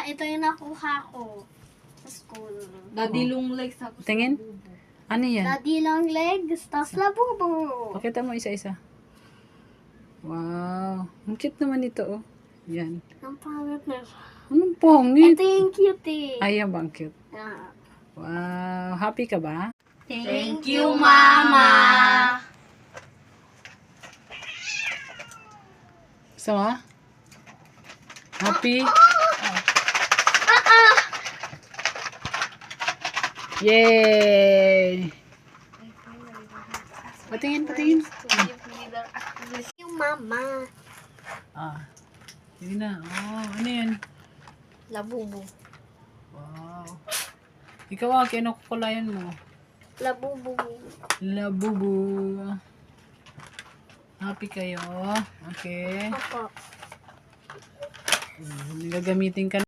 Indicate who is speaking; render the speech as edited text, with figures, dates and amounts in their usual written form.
Speaker 1: ito yung nakuha ko sa school.
Speaker 2: Daddy long legs ako.
Speaker 3: Tingin. Ano yan?
Speaker 1: Daddy long legs, tas labubo.
Speaker 3: Pakita mo isa-isa. Wow. Ang cute naman ito, oh. Yan.
Speaker 1: Ang pangit na.
Speaker 3: Anong pangit?
Speaker 1: Ito yung cutie.
Speaker 3: Ayan ba ang cute?
Speaker 1: Ah.
Speaker 3: Wow. Happy ka ba?
Speaker 1: Thank you, Mama.
Speaker 3: Gusto mo? Happy? Yay! Patingin, patingin.
Speaker 1: Yung Mama.
Speaker 3: Ah. Sige na. Oh, ano yan?
Speaker 1: Labubo.
Speaker 3: Wow. Ikaw kinukulayan mo.
Speaker 1: Labubo.
Speaker 3: Labubu. Happy kayo. Okay.
Speaker 1: Opo.
Speaker 3: Gagamitin ka